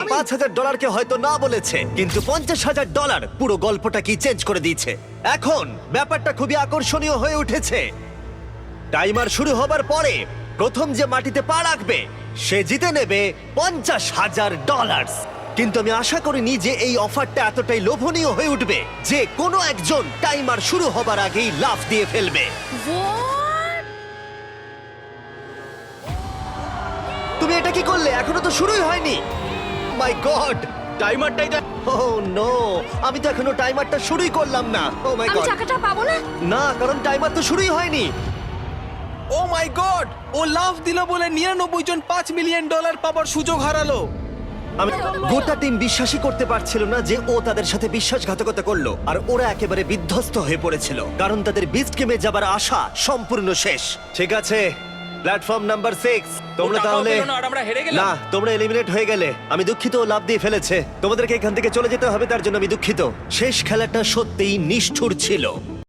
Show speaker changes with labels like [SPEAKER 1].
[SPEAKER 1] $5,000 হয়তো না বলেছে, কিন্তু $50,000 পুরো গল্পটা কি চেঞ্জ করে দিয়েছে। এখন ব্যাপারটা খুবই আকর্ষণীয় হয়ে উঠেছে। টাইমার শুরু হবার পরে প্রথম যে মাটিতে পা রাখবে সে জিতে নেবে $50,000। কিন্তু আমি আশা করিনি যে এই অফারটা এতটাই লোভনীয় হয়ে উঠবে যে কোনো একজন টাইমার শুরু হবার আগেই লাফ দিয়ে ফেলবে।
[SPEAKER 2] What?
[SPEAKER 1] তুমি এটা কি করলে? এখনো তো শুরুই হয়নি। মাই গড,
[SPEAKER 3] টাইমারটাই তো
[SPEAKER 1] ওহ নো, আমি তো এখনো টাইমারটা শুরুই করলাম না। ও মাই
[SPEAKER 2] আমি
[SPEAKER 1] গড,
[SPEAKER 2] চাকাটা পাবো না?
[SPEAKER 1] না, কারণ টাইমার তো শুরুই হয়নি।
[SPEAKER 3] ও মাই গড, ও লাফ দিল বলে 99 জন $5 মিলিয়ন পাবার সুযোগ হারালো।
[SPEAKER 1] আমি গোটা টিম বিশ্বাসই করতে পারছিল না যে ও তাদের সাথে বিশ্বাসঘাতকতা করলো, আর ওরা একেবারে বিধ্বস্ত হয়ে পড়েছিল কারণ তাদের বিস্ট গেমে যাবার আশা সম্পূর্ণ শেষ। ঠিক আছে, প্ল্যাটফর্ম নাম্বার 6, তোমরা
[SPEAKER 4] ও টাকাও
[SPEAKER 1] তাহলে
[SPEAKER 4] পেলো না আর আমরা হেরে গেলাম।
[SPEAKER 1] না, তোমরা এলিমিনেট হয়ে গেলে। আমি দুঃখিত, ও লাভ দিয়ে ফেলেছে। তোমাদেরকে এখান থেকে চলে যেতে হবে, তার জন্য আমি দুঃখিত। শেষ খেলাটা সত্যিই নিষ্ঠুর ছিল।